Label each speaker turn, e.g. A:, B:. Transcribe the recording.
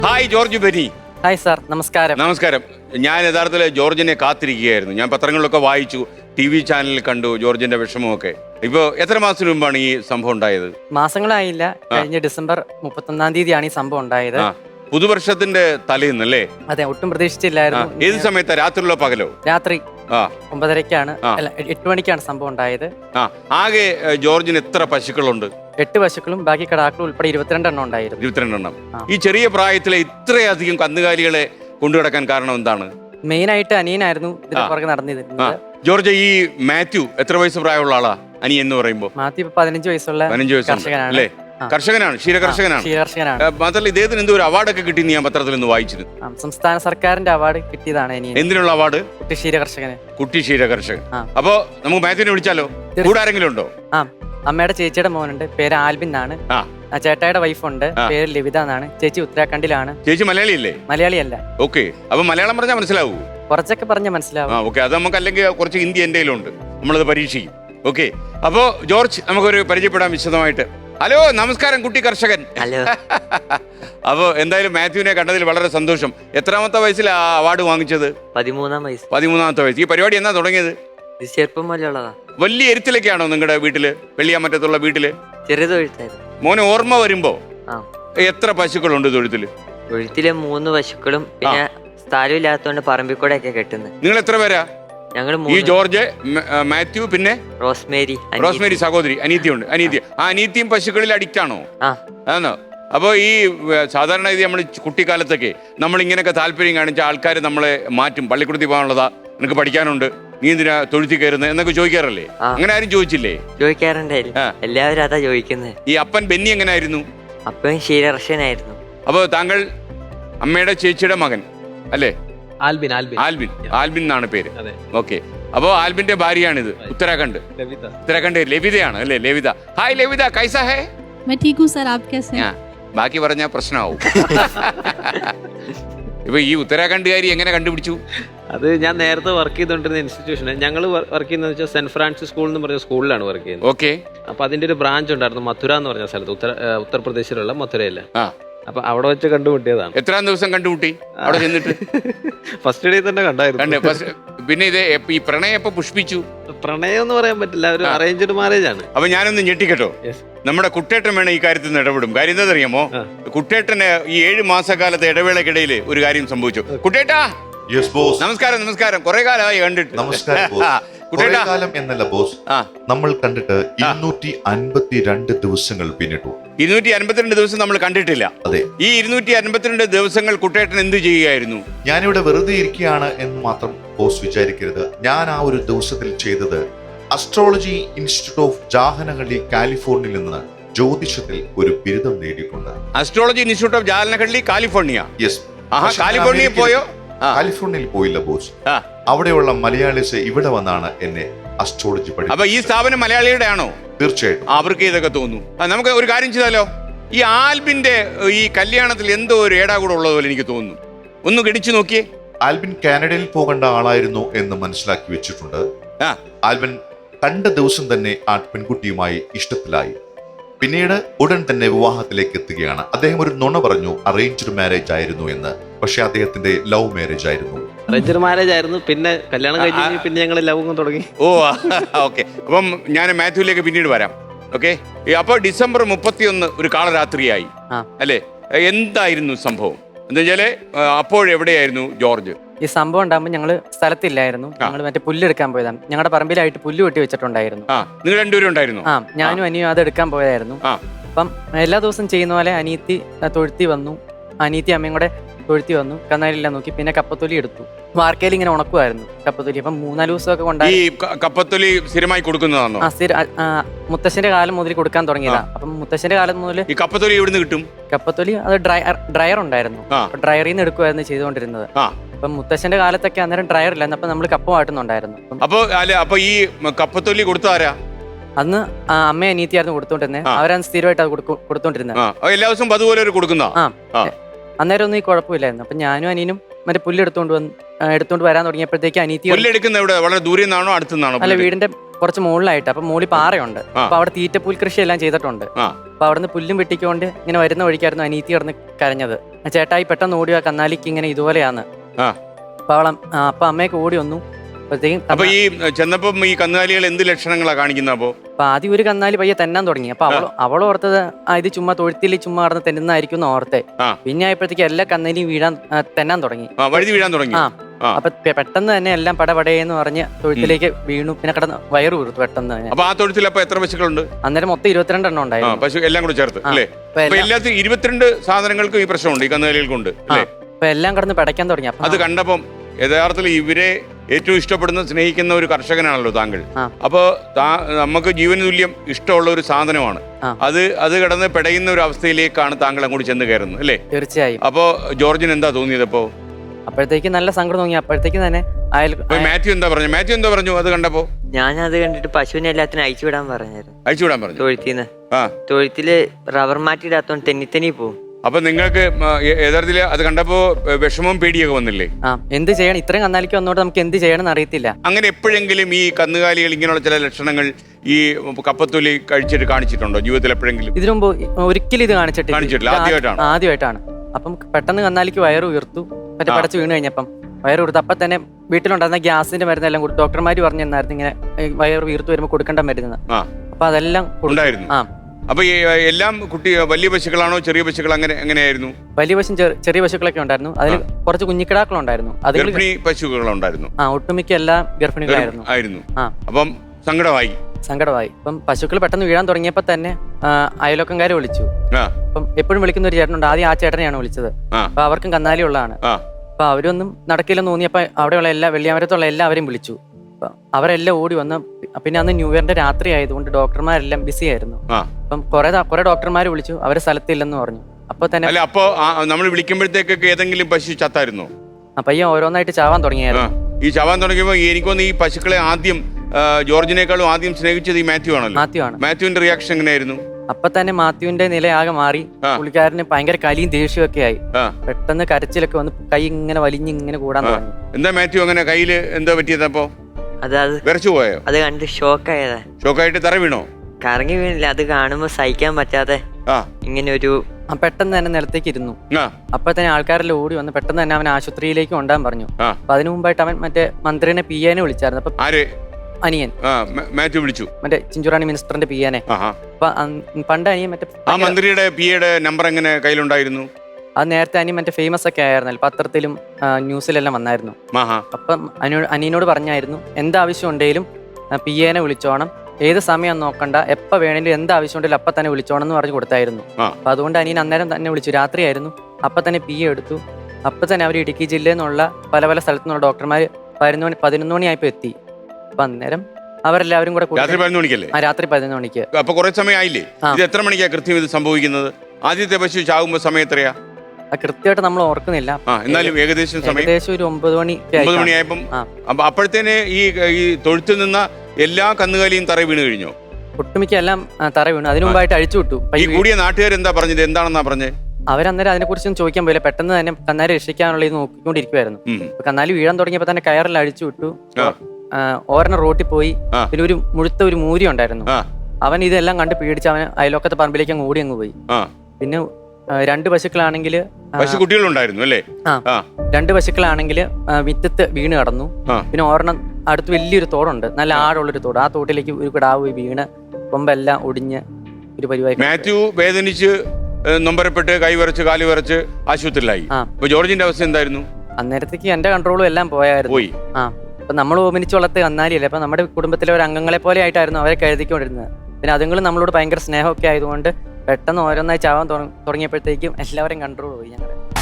A: Hi George Beni.
B: Hi sir, നമസ്കാരം.
A: നമസ്കാരം. ഞാൻ യഥാർത്ഥത്തിൽ ജോർജിനെ കാത്തിരിക്കുകയായിരുന്നു. ഞാൻ പത്രങ്ങളിലൊക്കെ വായിച്ചു, TV ചാനലിൽ കണ്ടു ജോർജിന്റെ വിഷമമൊക്കെ. ഇപ്പോൾ എത്ര മാസത്തിന് മുമ്പാണ് ഈ സംഭവം ഉണ്ടായത്?
B: മാസങ്ങളായില്ല, കഴിഞ്ഞ ഡിസംബർ 31-ാം തീയതിയാണ് ഈ സംഭവം ഉണ്ടായത്.
A: പുതുവർഷത്തിന്റെ തലേന്നല്ലേ?
B: അതെ, ഒട്ടും പ്രതീക്ഷിച്ചില്ലായിരുന്നു.
A: ഏത് സമയത്താ, രാത്രിയിലോ പകലോ?
B: രാത്രി 9:30-ക്കാണ്, അല്ല 8 മണിക്കാണ് സംഭവം ഉണ്ടായത്.
A: ആകെ ജോർജിന് എത്ര പശുക്കളുണ്ട്?
B: 8 പശുക്കളും ബാക്കി കിടാക്കളും ഉൾപ്പെടെ 22 എണ്ണം ഉണ്ടായിരുന്നു.
A: 22 എണ്ണം. ഈ ചെറിയ പ്രായത്തിലെ ഇത്രയധികം കന്നുകാലികളെ കൊണ്ടുകിടക്കാൻ കാരണം എന്താണ്?
B: മെയിൻ ആയിട്ട് അനിയനായിരുന്നു ഇതിന്റെ പുറകെ നടന്നിരുന്നത്.
A: ജോർജ്, ഈ മാത്യു എത്ര വയസ്സ് പ്രായമുള്ള ആളാ? അനിയൻ എന്ന് പറയുമ്പോ
B: മാത്യു 15 വയസ്സുള്ള കർഷകനാണ്.
A: അല്ലേ? കർഷകനാണ്, ക്ഷീരകർഷകനാണ്. മാത്രമല്ല ഇദ്ദേഹത്തിന് എന്തോ ഒരു അവാർഡൊക്കെ കിട്ടി ഞാൻ പത്രത്തിൽ നിന്ന് വായിച്ചിരുന്നു.
B: സംസ്ഥാന സർക്കാരിന്റെ അവാർഡ് കിട്ടിയതാണ്.
A: എന്തിനുള്ള അവാർഡ്?
B: കുട്ടി ക്ഷീരകർഷകന്.
A: കുട്ടി ക്ഷീരകർഷകൻ. അപ്പൊ നമുക്ക് മാത്യുവിനെ വിളിച്ചാലോ? കൂടെ ആരെങ്കിലും ഉണ്ടോ?
B: അമ്മയുടെ ചേച്ചിയുടെ മോനുണ്ട്, പേര് ആൽബിൻ എന്നാണ്. ചേട്ടായുടെ വൈഫുണ്ട്, പേര് ലവിത എന്നാണ്. ചേച്ചി ഉത്തരാഖണ്ഡിലാണ്.
A: ചേച്ചി മലയാളിയല്ലേ?
B: മലയാളിയല്ല.
A: ഓക്കെ. അപ്പൊ മലയാളം പറഞ്ഞാൽ മനസ്സിലാവൂ?
B: കുറച്ചൊക്കെ പറഞ്ഞാൽ മനസ്സിലാവും.
A: ഓക്കെ. അത് നമുക്ക് അല്ലെങ്കിൽ കുറച്ച് ഹിന്ദി എൻ്റെ കയ്യിലുണ്ട്, നമ്മളത് പരീക്ഷിക്കും. ഓക്കെ. അപ്പോ ജോർജ്, നമുക്കൊരു പരിചയപ്പെടാം വിശദമായിട്ട്. ഹലോ, നമസ്കാരം കുട്ടി കർഷകൻ.
C: ഹലോ.
A: അപ്പോ എന്തായാലും മാത്യുവിനെ കണ്ടതിൽ വളരെ സന്തോഷം. എത്രാമത്തെ വയസ്സിലാ അവാർഡ് വാങ്ങിച്ചത്?
C: 13-ാം വയസ്സ്.
A: 13-ാമത്തെ വയസ്സ്. ഈ പരിപാടി എന്നാ തുടങ്ങിയത്?
C: ഇത് ചെറുപ്പം മുതലുള്ളതാ.
A: വലിയ എരുത്തിലൊക്കെയാണോ നിങ്ങളുടെ വീട്ടില്, വെള്ളിയാമറ്റത്തുള്ള വീട്ടില്?
C: ചെറിയ തൊഴുത്തായിരുന്നു.
A: മോനെ ഓർമ്മ വരുമ്പോ എത്ര പശുക്കളുണ്ട് തൊഴുത്തില്?
C: തൊഴുത്തില് 3 പശുക്കളും പിന്നെ സ്ഥലമില്ലാത്തോണ്ട് പറമ്പിൽ കൂടെ ഒക്കെ കെട്ടുന്നത്.
A: നിങ്ങൾ എത്ര പേരാ?
C: ഞങ്ങള്
A: ഈ ജോർജ്, മാത്യു, പിന്നെ
C: റോസ്മേരി
A: സഹോദരി, അനീത്തിയുണ്ട്. അനീത്തിയും പശുക്കളിൽ അഡിക്റ്റ് ആണോ? ആണോ? അപ്പോൾ ഈ സാധാരണ ഇത് നമ്മൾ കുട്ടിക്കാലത്തൊക്കെ നമ്മൾ ഇങ്ങനെയൊക്കെ താല്പര്യം കാണിച്ച ആൾക്കാർ നമ്മളെ മാറ്റും. പള്ളിക്കൂടത്തിൽ പോകാനുള്ളതാ, നിനക്ക് പഠിക്കാനുണ്ട്, നീ എന്തിനാ തൊഴുത്തി കയറുന്നത് എന്നൊക്കെ ചോദിക്കാറല്ലേ? അങ്ങനെ ആരും ചോദിച്ചില്ലേ?
C: ചോദിക്കാറുണ്ടായിരുന്നു. എല്ലാവരും അതാ ചോദിക്കുന്നത്.
A: ഈ അപ്പൻ ബെന്നി എങ്ങനായിരുന്നു?
C: അപ്പൻ ക്ഷീരകർഷകനായിരുന്നു.
A: അപ്പോൾ താങ്കൾ അമ്മയുടെ ചേച്ചിയുടെ മകൻ അല്ലേ?
D: ആൽബിൻ
A: എന്നാണ് പേര്. ഓക്കെ. അപ്പോ ആൽബിന്റെ ഭാര്യയാണിത്. ഉത്തരാഖണ്ഡ് ലവിതയാണ് അല്ലേ? ലവിത. ഹായ് ലവിത, കൈസാ ഹേ?
E: मैं ठीक हूँ सर, आप कैसे हैं?
A: ബാക്കി പറഞ്ഞാൽ പ്രശ്നമാവും. ഇപ്പൊ ഈ ഉത്തരാഖണ്ഡുകാരി എങ്ങനെ കണ്ടുപിടിച്ചു?
D: അത് ഞാൻ നേരത്തെ വർക്ക് ചെയ്തോണ്ടിരുന്ന ഇൻസ്റ്റിറ്റ്യൂഷന്, ഞങ്ങൾ വർക്ക് ചെയ്യുന്നത് വെച്ചാൽ സെന്റ് ഫ്രാൻസിസ് സ്കൂൾ എന്ന് പറഞ്ഞ സ്കൂളിലാണ് വർക്ക് ചെയ്യുന്നത്.
A: ഓക്കെ.
D: അപ്പൊ അതിന്റെ ഒരു ബ്രാഞ്ച് ഉണ്ടായിരുന്നു മഥുര എന്ന് പറഞ്ഞ സ്ഥലത്ത്, ഉത്തർപ്രദേശിലുള്ള മഥുരയില്. അപ്പൊ അവിടെ വെച്ച് കണ്ടുമുട്ടിയതാണ്.
A: എത്രാം ദിവസം കണ്ടുമുട്ടി അവിടെ ചെന്നിട്ട്?
D: ഫസ്റ്റ് ഡേ തന്നെ കണ്ടായിരുന്നു.
A: പിന്നെ ഇത് ഈ പ്രണയം എപ്പോ പുഷ്പിച്ചു?
D: പ്രണയം എന്ന് പറയാൻ പറ്റില്ല, ഒരു അറേഞ്ച്ഡ് മാരേജ് ആണ്.
A: അപ്പൊ ഞാനൊന്ന് ഞെട്ടിക്കട്ടോ, നമ്മുടെ കുട്ടേട്ടൻ വേണം ഈ കാര്യത്തിൽ നിന്ന് ഇടപെടും. കാര്യം എന്താ അറിയാമോ? കുട്ടേട്ടന് ഈ 7 മാസക്കാലത്തെ ഇടവേളക്കിടയിൽ ഒരു കാര്യം സംഭവിച്ചു. കുട്ടേട്ടാ, നമസ്കാരം. കുറെ കാലമായി കണ്ടിട്ട്.
F: കാലം എന്നല്ല ബോസ്, നമ്മൾ കണ്ടിട്ട് 252 ദിവസങ്ങൾ പിന്നിട്ടു.
A: 252 ദിവസം നമ്മൾ കണ്ടിട്ടില്ല.
F: അതെ. ഈ
A: 252 ദിവസങ്ങൾ കുട്ടേട്ടൻ എന്ത് ചെയ്യുകയായിരുന്നു?
F: ഞാനിവിടെ വെറുതെ ഇരിക്കുകയാണ് എന്ന് മാത്രം ബോസ് വിചാരിക്കരുത്. ഞാൻ ആ ഒരു ദിവസത്തിൽ ചെയ്തത് അസ്ട്രോളജി ഇൻസ്റ്റിറ്റ്യൂട്ട് ഓഫ് ജാഹനഹള്ളി, കാലിഫോർണിയയിൽ നിന്ന് ജ്യോതിഷത്തിൽ ഒരു ബിരുദം നേടിയിട്ടുണ്ട്.
A: Astrology institute of Jahanahalli, California.
F: Yes.
A: കാലിഫോർണിയയിൽ പോയോ?
F: കാലിഫോർണിയയിൽ പോയില്ല ബോസ്. അവിടെയുള്ള മലയാളീസ് ഇവിടെ വന്നാണ് എന്നെ അസ്ട്രോളജി പഠിച്ചത്.
A: അപ്പൊ ഈ സ്ഥാപനം മലയാളിയുടെ ആണോ?
F: തീർച്ചയായിട്ടും.
A: അവർക്ക് ഇതൊക്കെ തോന്നുന്നു. നമുക്ക് ഒരു കാര്യം ചെയ്താലോ? ഈ ആൽബിന്റെ ഈ കല്യാണത്തിൽ എന്തോ ഒരു ഏടാകൂടെ ഉള്ളതുപോലെ എനിക്ക് തോന്നുന്നു. ഒന്ന് ഗണിച്ചു നോക്കിയേ.
F: ആൽബിൻ കാനഡയിൽ പോകേണ്ട ആളായിരുന്നു എന്ന് മനസ്സിലാക്കി വെച്ചിട്ടുണ്ട്. ആൽബിൻ കണ്ട ദിവസം തന്നെ ആ പെൺകുട്ടിയുമായി ഇഷ്ടത്തിലായി. പിന്നീട് ഉടൻ തന്നെ വിവാഹത്തിലേക്ക് എത്തുകയാണ്. അദ്ദേഹം ഒരു നുണ പറഞ്ഞു, അറേഞ്ച്ഡ് മാരേജ് ആയിരുന്നു എന്ന്. പക്ഷെ അദ്ദേഹത്തിന്റെ ലവ് മാരേജ് ആയിരുന്നു.
D: അറേഞ്ച്ഡ് മാരേജ് ആയിരുന്നു. പിന്നെ കല്യാണം കഴിഞ്ഞ് പിന്നെ ഞങ്ങൾ ലവ് തുടങ്ങി.
A: ഓക്കെ. അപ്പം ഞാൻ മാത്യുവിലേക്ക് പിന്നീട് വരാം. ഓക്കെ. അപ്പൊ ഡിസംബർ 31 ഒരു കാളരാത്രിയായി അല്ലേ? എന്തായിരുന്നു സംഭവം? എന്താ വെച്ചാല് അപ്പോഴെവിടെയായിരുന്നു ജോർജ്?
B: ഈ സംഭവം ഉണ്ടാകുമ്പോൾ ഞങ്ങള് സ്ഥലത്തില്ലായിരുന്നു. ഞങ്ങൾ മറ്റേ പുല്ലെടുക്കാൻ പോയതാണ്. ഞങ്ങളുടെ പറമ്പിലായിട്ട് പുല്ല് വെട്ടി വെച്ചിട്ടുണ്ടായിരുന്നു.
A: നിങ്ങൾ രണ്ടുപേരും ഉണ്ടായിരുന്നു?
B: ഞാനും അനിയും അത് എടുക്കാൻ പോയതായിരുന്നു. അപ്പം എല്ലാ ദിവസവും ചെയ്യുന്ന പോലെ അനീത്തി തൊഴുത്തി വന്നു. അനീത്തി അമ്മയും കൂടെ തൊഴുത്തി വന്നു. കന്നാലില്ലാം നോക്കി. പിന്നെ കപ്പത്തൊലി എടുത്തു. വാർക്കയിൽ ഇങ്ങനെ ഉണക്കുമായിരുന്നു കപ്പത്തൊലി. അപ്പം 3-4 ദിവസമൊക്കെ കൊണ്ടായി.
A: കപ്പത്തൊലി സ്ഥിരമായി കൊടുക്കുന്നതാണോ?
B: മുത്തശ്ശന്റെ കാലം മുതൽ കൊടുക്കാൻ തുടങ്ങിയതാ. അപ്പം മുത്തശ്ശന്റെ കാലം മുതൽ ഈ
A: കപ്പത്തൊലി എവിടുന്ന് കിട്ടും?
B: കപ്പത്തൊലി അത് ഡ്രയർ ഉണ്ടായിരുന്നു. ഡ്രയറിൽ നിന്ന് എടുക്കുമായിരുന്നു ചെയ്തുകൊണ്ടിരുന്നത്. അപ്പം മുത്തശ്ശന്റെ കാലത്തൊക്കെ അന്നേരം ഡ്രയർ ഇല്ലായിരുന്നു. അപ്പൊ നമ്മൾ കപ്പ വാട്ടുന്നുണ്ടായിരുന്നു.
A: അപ്പൊ ഈ കപ്പത്തൊലി കൊടുത്താരാ?
B: അന്ന് അമ്മ അനീത്തിയായിരുന്നു കൊടുത്തോണ്ടിരുന്നത്. അവരാണ് സ്ഥിരമായിട്ട് അത് കൊടുത്തോണ്ടിരുന്നത്.
A: എല്ലാ ദിവസവും അതുപോലെ കൊടുക്കുന്ന.
B: അന്നേരം ഒന്നും ഈ കുഴപ്പമില്ലായിരുന്നു. അപ്പൊ ഞാനും അനിയനും മറ്റേ പുല്ല് എടുത്തോണ്ട് വരാൻ തുടങ്ങിയപ്പോഴത്തേക്ക് അനീത്തി.
A: വളരെ ദൂരെ നിന്നാണോ അടുത്തുനിന്നാണോ?
B: അല്ല, വീടിന്റെ കുറച്ച് മുകളിലായിട്ട്. അപ്പൊ മുകളിൽ പാറയുണ്ട്. അപ്പൊ അവിടെ തീറ്റപ്പുൽ കൃഷി എല്ലാം ചെയ്തിട്ടുണ്ട്. അപ്പൊ അവിടുന്ന് പുല്ലും വെട്ടിക്കൊണ്ട് ഇങ്ങനെ വരുന്ന വഴിക്കായിരുന്നു അനീത്തി കിടന്ന് കരഞ്ഞത്. ചേട്ടായി പെട്ടെന്ന് ഓടിയ കന്നാലിക്ക് ഇങ്ങനെ ഇതുപോലെയാണ്. അപ്പൊ അപ്പൊ അമ്മയൊക്കെ ഓടി വന്നു.
A: അപ്പൊ ഈ ചെന്നപ്പം ഈ കന്നുകാലികൾ എന്ത് ലക്ഷണങ്ങളാ കാണിക്കുന്ന? അപ്പൊ
B: ആദ്യം ഒരു കന്നാലി പയ്യെ തെന്നാൻ തുടങ്ങി. അപ്പൊ അവൾ ഓർത്തത് ഇത് ചുമ്മാ തൊഴുത്തിൽ ചുമ്മാ കടന്ന് തെന്നുന്നതായിരിക്കും എന്ന് ഓർത്തെ. പിന്നെ ആയപ്പോഴത്തേക്ക് എല്ലാ കന്നാലിയും തെന്നാൻ തുടങ്ങി,
A: വഴുതി വീഴാൻ തുടങ്ങി.
B: അപ്പൊ പെട്ടെന്ന് തന്നെ എല്ലാം പടപടയെന്ന് പറഞ്ഞ് തൊഴുത്തിലേക്ക് വീണു. പിന്നെ കിടന്ന് വയറ് വീർത്തു പെട്ടെന്ന് തന്നെ.
A: അപ്പൊ ആ തൊഴുത്തിൽ അപ്പൊ എത്ര പശുക്കളുണ്ട്?
B: അന്നേരം മൊത്തം 22 എണ്ണം ഉണ്ടായിരുന്നു.
A: പശു എല്ലാം കൂടെ ചേർത്ത് അല്ലേ? എല്ലാത്തിനും 22 സാധനങ്ങൾക്കും ഈ പ്രശ്നമുണ്ട്, ഈ കന്നുകാലികൾക്കുണ്ട്.
B: അപ്പൊ എല്ലാം കിടന്ന് പിടയ്ക്കാൻ തുടങ്ങി.
A: അത് കണ്ടപ്പം യഥാർത്ഥത്തിൽ ഇവരെ ഏറ്റവും ഇഷ്ടപ്പെടുന്ന സ്നേഹിക്കുന്ന ഒരു കർഷകനാണല്ലോ താങ്കൾ. അപ്പൊ നമുക്ക് ജീവന് തുല്യം ഇഷ്ടമുള്ള ഒരു സാധനമാണ് അത് കിടന്ന് പെടയുന്ന ഒരു അവസ്ഥയിലേക്കാണ് താങ്കൾ അങ്ങോട്ട് ചെന്ന് കയറുന്നത് അല്ലേ?
B: തീർച്ചയായും.
A: അപ്പൊ ജോർജിന് എന്താ തോന്നിയത്? അപ്പോ
B: അപ്പോഴത്തേക്ക് നല്ല സങ്കടം തോന്നി. അപ്പോഴത്തേക്ക് തന്നെ
A: മാത്യു എന്താ പറഞ്ഞു അത് കണ്ടപ്പോ?
C: ഞാൻ അത് കണ്ടിട്ട് പശുവിനെ എല്ലാത്തിനും അയച്ചു വിടാൻ പറഞ്ഞു.
A: തൊഴുത്തിന്ന്
C: തൊഴുത്തില് റബ്ബർ മാറ്റിയിടാത്തോണ്ട് തെന്നി പോകും.
A: അപ്പൊ നിങ്ങൾക്ക് യഥാർത്ഥത്തിൽ അത് കണ്ടപ്പോ വിഷമവും പേടിയൊക്കെ വന്നില്ലേ?
B: എന്ത് ചെയ്യണം, ഇത്രയും കന്നാലിക്ക് വന്നോട്ട് നമുക്ക് എന്ത് ചെയ്യണം എന്ന് അറിയത്തില്ല.
A: അങ്ങനെ എപ്പോഴെങ്കിലും ഈ കന്നുകാലികൾ ഇങ്ങനെയുള്ള ചില ലക്ഷണങ്ങൾ ഈ കപ്പത്തൊലി കഴിച്ചിട്ട് കാണിച്ചിട്ടുണ്ടോ ജീവിതത്തിൽ എപ്പോഴെങ്കിലും?
B: ഇതിനു മുമ്പ് ഒരിക്കലും ഇത് കാണിച്ചിട്ടില്ല. ആദ്യമായിട്ടാണ്. അപ്പം പെട്ടെന്ന് കന്നാലിക്ക് വയറ് ഉയർത്തു. മറ്റേ പടച്ച് വീണ് കഴിഞ്ഞപ്പം വയറ് ഉയർത്തു. അപ്പൊ തന്നെ വീട്ടിലുണ്ടായിരുന്ന ഗ്യാസിന്റെ മരുന്നെല്ലാം കൊടുത്തു. ഡോക്ടർമാര് പറഞ്ഞു തന്നായിരുന്നു ഇങ്ങനെ വയറ് ഉയർത്തു വരുമ്പോൾ കൊടുക്കേണ്ട മരുന്ന്. അപ്പൊ അതെല്ലാം ഉണ്ടായിരുന്നു.
A: അപ്പൊ എല്ലാം വലിയ പശുക്കളാണോ ചെറിയ പശുക്കൾ എങ്ങനെയായിരുന്നു?
B: വലിയ പശു ചെറിയ പശുക്കളൊക്കെ ഉണ്ടായിരുന്നു. അതിൽ കുറച്ച് കുഞ്ഞിക്കിടാക്കളുണ്ടായിരുന്നു.
A: ഗർഭിണി പശുക്കളുണ്ടായിരുന്നു.
B: ഒട്ടുമിക്ക എല്ലാം ഗർഭിണികളായിരുന്നു.
A: അപ്പം സങ്കടമായി.
B: ഇപ്പം പശുക്കൾ പെട്ടെന്ന് വീഴാൻ തുടങ്ങിയപ്പോ തന്നെ അയലോക്കംകാരെ വിളിച്ചു. അപ്പം എപ്പോഴും വിളിക്കുന്ന ഒരു ചേട്ടനുണ്ട്. ആദ്യം ആ ചേട്ടനെയാണ് വിളിച്ചത്. അപ്പൊ അവർക്കും കന്നാലി ഉള്ളതാണ്. അപ്പൊ അവരൊന്നും നടക്കില്ലെന്ന് തോന്നിയപ്പോ അവിടെയുള്ള വെള്ളിയാമരത്തുള്ള എല്ലാവരെയും വിളിച്ചു. അവരെല്ലാം ഓടി വന്ന്. പിന്നെ അന്ന് ന്യൂ ഇയറിന്റെ രാത്രി ആയതുകൊണ്ട് ഡോക്ടർമാരെല്ലാം ബിസി ആയിരുന്നു. അപ്പം കുറെ ഡോക്ടർമാർ വിളിച്ചു. അവരെ സ്ഥലത്തില്ലെന്ന് പറഞ്ഞു. അപ്പൊ തന്നെ
A: അപ്പൊ നമ്മൾ വിളിക്കുമ്പോഴത്തേക്കൊക്കെ ഏതെങ്കിലും പശു ചത്തായിരുന്നോ?
B: പയ്യൻ ഓരോന്നായിട്ട് ചാവാൻ തുടങ്ങിയായിരുന്നു.
A: ഈ ചാവാൻ തുടങ്ങിയപ്പോ എനിക്കൊന്ന് ഈ പശുക്കളെ ആദ്യം ജോർജിനേക്കാളും ആദ്യം സ്നേഹിച്ചത് ഈ മാത്യു ആണല്ലോ. മാത്യുവിന്റെ റിയാക്ഷൻ എങ്ങനെയായിരുന്നു?
B: അപ്പൊ തന്നെ മാത്യുവിന്റെ നില ആകെ മാറി. പുള്ളിക്കാരന് ഭയങ്കര കലിയും ദേഷ്യമൊക്കെ ആയി. പെട്ടെന്ന് കരച്ചിലൊക്കെ വന്ന് കൈ ഇങ്ങനെ വലിഞ്ഞിങ്ങനെ കൂടാൻ തുടങ്ങി.
A: എന്താ മാത്യു അങ്ങനെ കയ്യില് എന്താ പറ്റിയതപ്പോ? വിറച്ചു പോയോ?
C: അത് കണ്ട്
A: ഷോക്കായിട്ട് തറ വീണോ?
C: കറങ്ങി വീണില്ല. അത് കാണുമ്പോ സഹിക്കാൻ പറ്റാതെ ഇങ്ങനെ ഒരു
B: പെട്ടെന്ന് തന്നെ നിലത്തേക്ക് ഇരുന്നു. അപ്പൊ തന്നെ ആൾക്കാരെല്ലാം ഓടി വന്ന് പെട്ടെന്ന് തന്നെ അവൻ ആശുപത്രിയിലേക്ക് കൊണ്ടുപോകാൻ പറഞ്ഞു. അപ്പൊ അതിനു മുമ്പായിട്ട് അവൻ മറ്റേ മന്ത്രിനെ പിയാനെ വിളിച്ചായിരുന്നു. അപ്പൊ അനിയൻ
A: മാത്യു വിളിച്ചു,
B: മറ്റേ ചിഞ്ചുറാണി മിനിസ്റ്ററിന്റെ പിയാനെ. അപ്പൊ പണ്ട് അനിയൻ മറ്റേ
A: മന്ത്രിയുടെ പിയുടെ നമ്പർ എങ്ങനെ കയ്യിലുണ്ടായിരുന്നു?
B: അത് നേരത്തെ അനിയൻ മറ്റേ ഫേമസ് ഒക്കെ ആയിരുന്നല്ലോ, പത്രത്തിലും ന്യൂസിലെല്ലാം വന്നായിരുന്നു. അപ്പം അനിയനോട് പറഞ്ഞായിരുന്നു എന്താവശ്യം ഉണ്ടെങ്കിലും പിയേനെ വിളിച്ചോണം, ഏത് സമയം നോക്കണ്ട, എപ്പോൾ വേണമെങ്കിലും എന്താവശ്യം ഉണ്ടെങ്കിലും അപ്പം തന്നെ വിളിച്ചോണം എന്ന് പറഞ്ഞു കൊടുത്തായിരുന്നു. അപ്പൊ അതുകൊണ്ട് അനിയൻ അന്നേരം തന്നെ വിളിച്ചു. രാത്രിയായിരുന്നു. അപ്പം തന്നെ പി എടുത്തു. അപ്പം തന്നെ അവർ ഇടുക്കി ജില്ലയിൽ നിന്നുള്ള പല സ്ഥലത്തു നിന്നുള്ള ഡോക്ടർമാർ 11 മണിയായപ്പോ എത്തി. അപ്പൊ അന്നേരം അവരെല്ലാവരും കൂടെ രാത്രി 11 മണിക്ക്.
A: അപ്പൊ കുറെ സമയം ആയില്ലേ? ഇത് എത്ര മണിക്കാ കൃത്യം ഇത് സംഭവിക്കുന്നത്? ആദ്യത്തെ പശു ചാകുമ്പോ സമയം എത്രയാ?
B: കൃത്യമായിട്ട് നമ്മൾ ഓർക്കുന്നില്ല.
A: എന്നാലും ഏകദേശം
B: ഒരു 9
A: മണിയായപ്പം. അപ്പോഴത്തേന് ഈ തൊഴുത്തിൽ നിന്ന എല്ലാ കന്നുകാലിയും തറ വീണ് കഴിഞ്ഞോ?
B: ഒട്ടുമിക്ക എല്ലാം തറ വീണു. അതിനു മുമ്പായിട്ട് അഴിച്ചു വിട്ടു.
A: ഈ കൂടിയ നാട്ടുകാർ എന്താ പറഞ്ഞത്? എന്താണെന്നാ പറഞ്ഞത്?
B: അവരന്നേരം അതിനെ കുറിച്ചൊന്നും ചോദിക്കാൻ പോയില്ല. പെട്ടെന്ന് തന്നെ കന്നാലി രക്ഷിക്കാനുള്ള ഇത് നോക്കിക്കൊണ്ടിരിക്കുവായിരുന്നു. കന്നാലി വീഴാൻ തുടങ്ങിയപ്പോ തന്നെ കയറെല്ലാം അഴിച്ചു വിട്ടു. ഓരോ റോട്ടിൽ പോയി. പിന്നെ ഒരു മുഴുത്ത ഒരു മൂരി ഉണ്ടായിരുന്നു. അവൻ ഇതെല്ലാം കണ്ട് പേടിച്ച് അവൻ അയലോക്കത്തെ പറമ്പിലേക്ക് അങ്ങ് ഓടി അങ്ങ് പോയി. പിന്നെ 2 പശുക്കളാണെങ്കിൽ
A: കുട്ടികളുണ്ടായിരുന്നു അല്ലേ?
B: 2 പശുക്കളാണെങ്കിൽ വിത്തത്ത് വീണ് കടന്നു. പിന്നെ ഒരെണ്ണം അടുത്ത് വലിയൊരു തോടുണ്ട്, നല്ല ആഴമുള്ളൊരു തോട്. ആ തോട്ടിലേക്ക് ഒരു കിടാവ് വീണ് കൊമ്പെല്ലാം ഒടിഞ്ഞ് ഒരു പരിപാടി.
A: മാത്യു വേദനിച്ച് നൊമ്പരപ്പെട്ട് കൈ വിറച്ച് കാല് വിറച്ച് ആശുപത്രിയിലായി. ജോർജിന്റെ അവസ്ഥ എന്തായിരുന്നു?
B: അന്നേരത്തേക്ക് എന്റെ കൺട്രോളും എല്ലാം പോയായിരുന്നു. അപ്പൊ നമ്മൾ ഓമനിച്ച് വളർത്ത് കന്നാലിയല്ലേ. അപ്പൊ നമ്മുടെ കുടുംബത്തിലെ ഒരു അംഗങ്ങളെ പോലെ ആയിട്ടായിരുന്നു അവരെ കരുതിക്കൊണ്ടിരുന്നത്. പിന്നെ അതുങ്ങളും നമ്മളോട് ഭയങ്കര സ്നേഹമൊക്കെ ആയതുകൊണ്ട് പെട്ടെന്ന് ഓരോന്നായി ചാവാൻ തുടങ്ങിയപ്പോഴത്തേക്കും എല്ലാവരും കൺട്രോൾ പോയി ഞങ്ങളുടെ.